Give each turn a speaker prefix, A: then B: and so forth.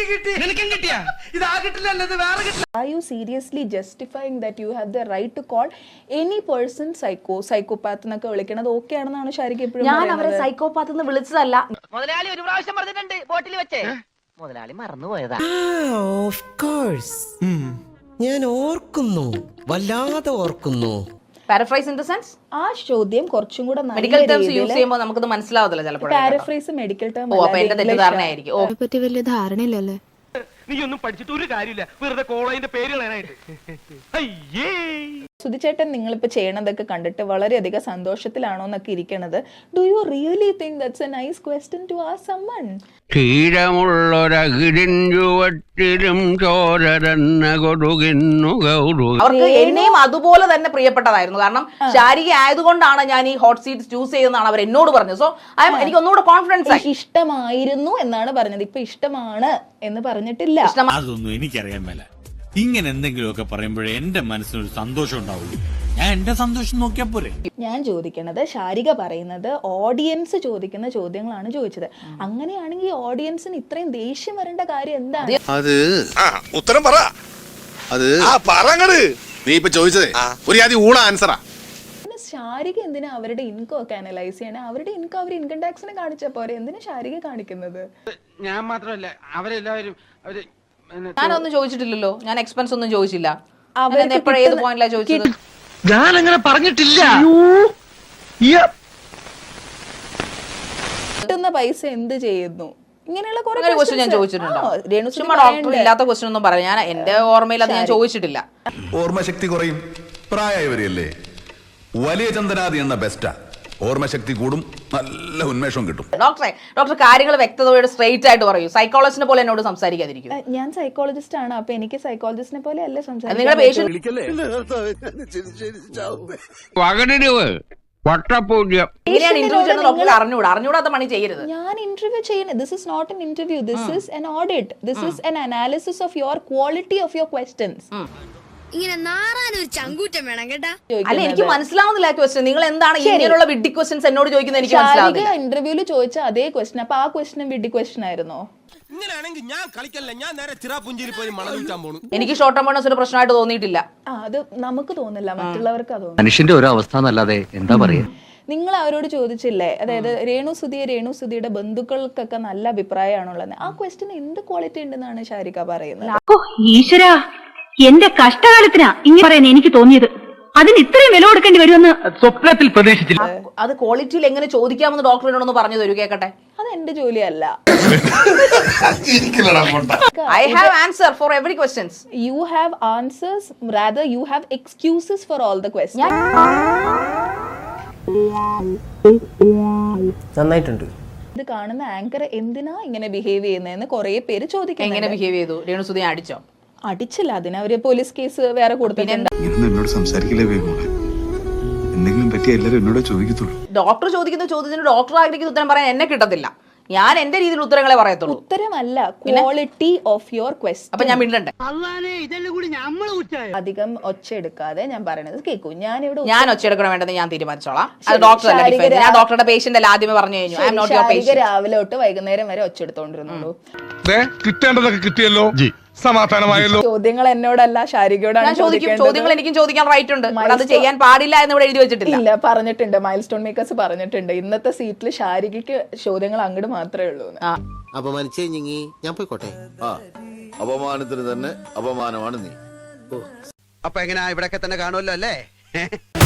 A: Are you seriously justifying that you have the right to call any person psychopath എന്നൊക്കെ വിളിക്കണത് okay ആണെന്നാണ് ശാരിക എപ്പോഴും
B: ഞാൻ അവരെ സൈക്കോപാത്ത് എന്ന് വിളിച്ചതല്ല. മുതലാളി ഒരു പ്രാവശ്യം പറഞ്ഞിട്ടുണ്ട് ബോട്ടിൽ വെച്ചേ. മുതലാളി മറന്നുപോയതാ.
C: ഓഫ് കോഴ്സ് ഞാൻ ഓർക്കുന്നു, വല്ലാതെ ഓർക്കുന്നു.
B: പാരഫ്രൈസ് ഇൻ ദ സെൻസ്
A: ആ ചോദ്യം കുറച്ചും കൂടെ
B: മെഡിക്കൽ ടേംസ് യൂസ് ചെയ്യുമ്പോൾ നമുക്കത് മനസ്സിലാവത്തില്ല ചിലപ്പോൾ.
A: പാരഫ്രൈസ് മെഡിക്കൽ ടേം
B: ഓ അപ്പൊ എന്റെ തെറ്റിദ്ധാരണയായിരിക്കും. ഓ
D: പറ്റി വലിയ ധാരണയില്ലല്ലേ.
E: നീ ഒന്നും പഠിച്ചിട്ട് ഒരു കാര്യമില്ല, വെറുതെ കോളേജിന്റെ പേര് കളയാനായിട്ട്. അയ്യേ
A: സുധിച്ചേട്ടൻ നിങ്ങളിപ്പോ ചെയ്യണതൊക്കെ കണ്ടിട്ട് വളരെയധികം സന്തോഷത്തിലാണോ എന്നൊക്കെ ഇരിക്കണത്. Do you really think that's a nice question to ask സമ്മൺ?
F: ക്ഷീരമുള്ളൊരകിടിൻ ചുവട്ടിലും ചോരരന്ന കൊടുകിന്നു ഗൗരു.
B: അവർക്ക് എന്നെയും അതുപോലെ തന്നെ പ്രിയപ്പെട്ടതായിരുന്നു. കാരണം ശാരിക ആയതുകൊണ്ടാണ് ഞാൻ ഈ ഹോട്ട് സീറ്റ് ചൂസ് ചെയ്തെന്നാണ് അവർ എന്നോട് പറഞ്ഞത്. സോ എനിക്ക് ഒന്നുകൂടെ കോൺഫിഡൻസ് ആയി.
A: ഇഷ്ടമായിരുന്നു എന്നാണ് പറഞ്ഞത്, ഇപ്പൊ ഇഷ്ടമാണ് എന്ന് പറഞ്ഞിട്ടില്ല.
G: അതൊന്നും എനിക്കറിയാൻ മേല. ഇങ്ങനെ എന്തെങ്കിലുമൊക്കെ പറയുമ്പോഴേ എന്റെ മനസ്സിനൊരു സന്തോഷം ഉണ്ടാവുള്ളൂ. ഞാൻ എന്റെ സന്തോഷം നോക്കിയാ പോരെ. ഞാൻ
A: ചോദിക്കണത്, ശാരിക പറയുന്നത് ഓഡിയൻസ് ചോദിക്കുന്ന ചോദ്യങ്ങളാണ് ചോദിച്ചത്. അങ്ങനെയാണെങ്കിൽ ഓഡിയൻസിന് ഇത്രയും ദേഷ്യം വരേണ്ട കാര്യം എന്താണ്?
H: അത് ഉത്തരം പറ. അത് പറങ്ങട്. നീ ഇപ്പൊ ചോദിച്ചതേ ഒരു ആദ്യം ഊള ആൻസറാ.
A: ശാരിക എന്തിനാ അവരുടെ ഇൻകം ഒക്കെ അനലൈസ് ചെയ്യണേ? അവരുടെ ഇൻകം അവർ ഇൻകം ടാക്സിനെ കാണിച്ച പോരെ, എന്തിനാ ശാരിക കാണിക്കുന്നത്?
E: ഞാൻ മാത്രമല്ല അവരെല്ലാവരും
B: ഞാനൊന്നും ചോദിച്ചിട്ടില്ലല്ലോ. ഞാൻ എക്സ്പെൻസ് ഒന്നും ചോദിച്ചില്ല.
A: ഏത്
B: പോയിന്റിലാ ചോദിച്ചത്?
E: ഞാൻ അങ്ങനെ പറഞ്ഞിട്ടില്ല.
A: കിട്ടുന്ന പൈസ എന്ത് ചെയ്യുന്നു? ഇങ്ങനെയുള്ള
B: ക്വസ്റ്റ്യൻ ഞാൻ ചോദിച്ചിട്ടുണ്ടോ? ഡോക്ടർ ഇല്ലാത്ത ക്വസ്റ്റ്യൻ ഒന്നും പറയാം. ഞാൻ എന്റെ ഓർമ്മയിൽ അത് ഞാൻ ചോദിച്ചിട്ടില്ല.
H: ഓർമ്മശക്തി കുറയും, പ്രായമായി വരികയല്ലേ. വലിയ ചന്ദനാദി എന്ന ബെസ്റ്റാ. ഓർമ്മശക്തി കൂടും, നല്ല ഉന്മേഷം കിട്ടും.
B: ഡോക്ടർ കാര്യങ്ങൾ വ്യക്തതയോടെ സ്ട്രെയിറ്റ് ആയിട്ട് പറയൂ. സൈക്കോളജിസ്റ്റിനെ പോലെ എന്നോട് സംസാരിക്കാതിരിക്കും.
A: ഞാൻ സൈക്കോളജിസ്റ്റ് ആണ്, അപ്പൊ എനിക്ക് സൈക്കോളജിസ്റ്റിനെ പോലെ അല്ലേ സംസാരിക്കാൻ.
B: നിങ്ങളുടെ പേഷ്യന്റ് അറിഞ്ഞൂടാത്ത പണി ചെയ്യരുത്.
A: ഞാൻ ഇന്റർവ്യൂ ചെയ്യുന്നത്, this is not an interview, this is an audit, this is an analysis of your quality of your questions.
D: ഇങ്ങനെ നാറാനൊരു ചങ്കൂറ്റം വേണം കേട്ടാ.
B: അല്ല എനിക്ക് മനസ്സിലാവുന്നില്ല ക്വസ്റ്റ്യൻ. നിങ്ങൾ എന്താണ് ഇങ്ങനെയുള്ള വിഡ്ഢി ക്വസ്റ്റ്യൻസ് എന്നോട് ചോദിക്കുന്നത്? എനിക്ക് മനസ്സിലാവുന്നില്ല.
A: ഇന്റർവ്യൂല് ചോദിച്ച അതേ ക്വസ്റ്റ്യൻ, അപ്പൊ ആ ക്വസ്റ്റ്യൻ വിഡ്ഢി ക്വസ്റ്റ്യൻ ആയിരുന്നോ?
G: ഇങ്ങനെയാണെങ്കിൽ ഞാൻ കളിക്കല്ല, ഞാൻ നേരെ ചിറാപുഞ്ചിയിൽ പോയി മണം വിൽക്കാൻ പോണു.
B: എനിക്ക് ഷോർട്ട് ടേം ബോണസ് ഒരു പ്രശ്നമായിട്ട് തോന്നിയിട്ടില്ല.
A: അത് നമുക്ക് തോന്നില്ല, മറ്റുള്ളവർക്ക് തോന്നുന്നു.
F: മനുഷ്യന്റെ ഓരോ അവസ്ഥ എന്നല്ലാതെ എന്താ പറയാ.
A: നിങ്ങൾ അവരോട് ചോദിച്ചില്ലേ, അതായത് രേണുസുതിയുടെ ബന്ധുക്കൾക്കൊക്കെ നല്ല അഭിപ്രായമാണുള്ളത്. ആ ക്വസ്റ്റ്യൻ എന്ത് ക്വാളിറ്റി ഉണ്ടെന്നാണ് ശാരിക പറയുന്നത്?
I: ഈശ്വരാ, എന്റെ കഷ്ടകാലത്തിനാ ഇങ്ങനെ പറയാൻ എനിക്ക് തോന്നിയത്. അതിന് ഇത്രയും വില കൊടുക്കേണ്ടി വരുമെന്ന്
E: സ്വപ്നത്തിൽ പ്രതീക്ഷിച്ചില്ല.
B: അത് ക്വാളിറ്റിയിൽ എങ്ങനെ ചോദിക്കാമെന്ന് ഡോക്ടറിനോടൊന്ന് പറഞ്ഞു തരൂ, കേക്കട്ടെ.
A: അത് എന്റെ ജോലിയല്ല.
B: I have answer for every questions.
A: You have answers, rather you have excuses for all the questions.
C: നന്നായിട്ടുണ്ട്.
A: ഇത് കാണുന്ന ആങ്കർ എന്തിനാ ഇങ്ങനെ ബിഹേവ് ചെയ്യുന്നതെന്ന് കുറെ പേര് ചോദിക്കും.
B: എങ്ങനെ ബിഹേവ് ചെയ്തു? രേണുസുതി അടിച്ചോ?
A: അടിച്ചില്ല, അതിന് അവര് പോലീസ് കേസ് വേറെ കൊടുത്തിട്ടുണ്ട്.
H: എന്നോട് സംസാരിക്കില്ലേ, എന്തെങ്കിലും പറ്റിയ എല്ലാവരും എന്നോട് ചോദിക്കത്തുള്ളൂ.
B: ഡോക്ടർ ചോദിക്കുന്ന ചോദ്യത്തിന് ഡോക്ടർ ആഗ്രഹിക്കുന്ന ഉത്തരം പറയാൻ എന്നെ കിട്ടത്തില്ല. ഞാൻ എന്റെ രീതിയിൽ ഉത്തരങ്ങളെ പറയത്തുള്ളൂ.
A: ഉത്തരമല്ല, ക്വാളിറ്റി ഓഫ് യുവർ ക്വസ്റ്റ്യൻ.
B: അപ്പൊ ഞാൻ മിണ്ടണ്ടേ?
A: അധികം ഒച്ച എടുക്കാതെ ഞാൻ പറയണത് കേൾക്കൂ.
B: ഞാൻ ഒച്ച എടുക്കണം വേണ്ടെന്ന് ഞാൻ തീരുമാനിച്ചോളാം. അത് ഡോക്ടർ അല്ല, ഞാൻ ഡോക്ടറുടെ പേഷ്യന്റ് അല്ല. ആദ്യമേ പറഞ്ഞു കഴിഞ്ഞു, I am not your patient.
A: രാവിലെ തൊട്ട് വൈകുന്നേരം വരെ ഒച്ച എടുത്തോണ്ടിരുന്നുള്ളൂ.
G: കിട്ടേണ്ടതൊക്കെ കിട്ടിയല്ലോ, സമാധാനമായല്ലോ.
A: ചോദ്യങ്ങൾ എന്നോടല്ല, ശാരികയോടാണ്.
B: ചോദ്യങ്ങൾ എനിക്കും ചോദിക്കാൻ റൈറ്റ് ഉണ്ട്. അത് ചെയ്യാൻ പാടില്ല എന്ന് ഇവിടെ എഴുതി വെച്ചിട്ടില്ല.
A: ഇല്ല, പറഞ്ഞിട്ടുണ്ട്, മൈൽ സ്റ്റോൺ മേക്കേഴ്സ് പറഞ്ഞിട്ടുണ്ട്, ഇന്നത്തെ സീറ്റിൽ ശാരികയ്ക്ക് ചോദ്യങ്ങൾ അങ്ങോട്ട് മാത്രമേ ഉള്ളൂ.
C: അപമാനിച്ചേ ഞാൻ പോയിക്കോട്ടെ.
H: അപമാനത്തിന് തന്നെ അപമാനമാണ് നീ.
C: അപ്പൊ എങ്ങനെയാ, ഇവിടൊക്കെ തന്നെ കാണുമല്ലോ അല്ലേ?